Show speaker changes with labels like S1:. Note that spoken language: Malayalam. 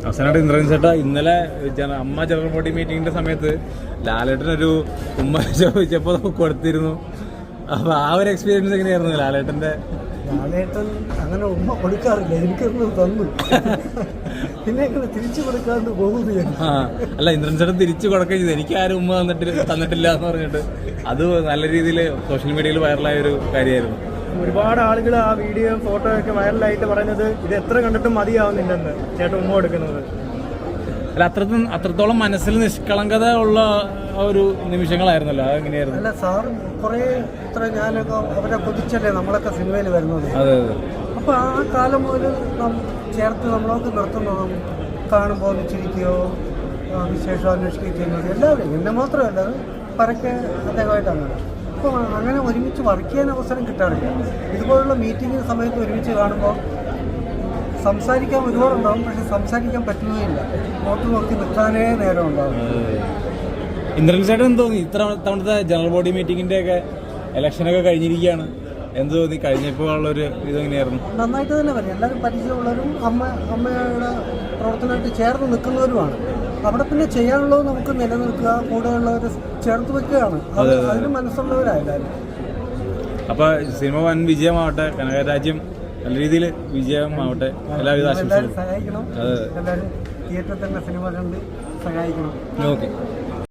S1: അവസാനമായിട്ട് ഇന്ദ്രൻ ചേട്ടാ ഇന്നലെ അമ്മ ജനറൽ ബോഡി മീറ്റിങ്ങിന്റെ സമയത്ത് ലാലേട്ടനൊരു ഉമ്മ ചോദിച്ചപ്പോൾ കൊടുത്തിരുന്നു. അപ്പൊ ആ ഒരു എക്സ്പീരിയൻസ് എങ്ങനെയായിരുന്നു ലാലേട്ടന്റെ?
S2: ലാലേട്ടൻ അങ്ങനെ ഉമ്മ കൊടുക്കാറില്ല, എനിക്കൊന്ന് തന്നു, പിന്നെ തിരിച്ചു കൊടുക്കാണ്ട് പോകുന്നു.
S1: അല്ല, ഇന്ദ്രൻ ചേട്ടൻ തിരിച്ചു കൊടുക്കുകയും ചെയ്തു. എനിക്ക് ആരും ഉമ്മ തന്നിട്ടില്ല എന്ന് പറഞ്ഞിട്ട് അത് നല്ല രീതിയിൽ സോഷ്യൽ മീഡിയയിൽ വൈറലായ ഒരു കാര്യമായിരുന്നു.
S2: ഒരുപാട് ആളുകൾ ആ വീഡിയോ ഫോട്ടോ ഒക്കെ വൈറലായിട്ട് പറയുന്നത് ഇത് എത്ര കണ്ടിട്ടും മതിയാവുന്നില്ലെന്ന് ചേട്ടൻ ഉമ്മ കൊടുക്കുന്നത്.
S1: അല്ല, അത്രത്തോളം മനസ്സിൽ നിഷ്കളങ്കത ഉള്ള ഒരു നിമിഷങ്ങളായിരുന്നല്ലോ. അതെങ്ങനെയായിരുന്നു?
S2: അല്ല സാർ കുറേ ഇത്ര ഞാനൊക്കെ അവരെ കൊതിച്ചല്ലേ നമ്മളൊക്കെ സിനിമയിൽ വരുന്നത്.
S1: അതെ അതെ.
S2: അപ്പോൾ ആ കാലം മുതൽ ചേർത്ത് നമ്മളൊക്കെ നിർത്തുന്നതും കാണുമ്പോൾ ഒന്ന് ചിരിക്കുകയോ വിശേഷം അന്വേഷിക്കുകയോ ചെയ്യുന്നത് എല്ലാവരും, എന്നെ മാത്രമല്ല, അത് പരക്കെ അദ്ദേഹമായിട്ടാണ്. അപ്പോൾ അങ്ങനെ ഒരുമിച്ച് വർക്ക് ചെയ്യാൻ അവസരം കിട്ടാറില്ല. ഇതുപോലുള്ള മീറ്റിംഗ് സമയത്ത് ഒരുമിച്ച് കാണുമ്പോൾ സംസാരിക്കാൻ ഒരുപാടുണ്ടാകും, പക്ഷെ സംസാരിക്കാൻ പറ്റുന്നതില്ല. നോക്കി നിൽക്കാനേ നേരം ഉണ്ടാകും.
S1: ഇന്ദ്രൻ ചേട്ടൻ എന്ത് തോന്നി തവണത്തെ ജനറൽ ബോഡി മീറ്റിങ്ങിന്റെ ഒക്കെ ഇലക്ഷനൊക്കെ കഴിഞ്ഞിരിക്കുകയാണ്, എന്ത് തോന്നി? കഴിഞ്ഞപ്പോൾ ഉള്ളൊരു ഇതെങ്ങനെയായിരുന്നു?
S2: നന്നായിട്ട് തന്നെ പറയും. എല്ലാവരും പരിചയമുള്ളവരും അമ്മയുടെ പ്രവർത്തനമായിട്ട് ചേർന്ന് നിൽക്കുന്നവരുമാണ്. അവിടെ പിന്നെ ചെയ്യാനുള്ളത് നമുക്ക് നിലനിൽക്കുക, കൂടെയുള്ളവർ ചേർത്ത് വെക്കുകയാണ്. അതിന് മനസ്സുള്ളവരായാലും.
S1: അപ്പൊ സിനിമ വൻ വിജയമാവട്ടെ, കനകരാജ്യം നല്ല രീതിയിൽ വിജയമാവട്ടെ. എല്ലാവരും
S2: സഹായിക്കണം. എല്ലാവരും തിയേറ്ററിൽ തന്നെ സിനിമ കണ്ട് സഹായിക്കണം.
S1: ഓക്കെ.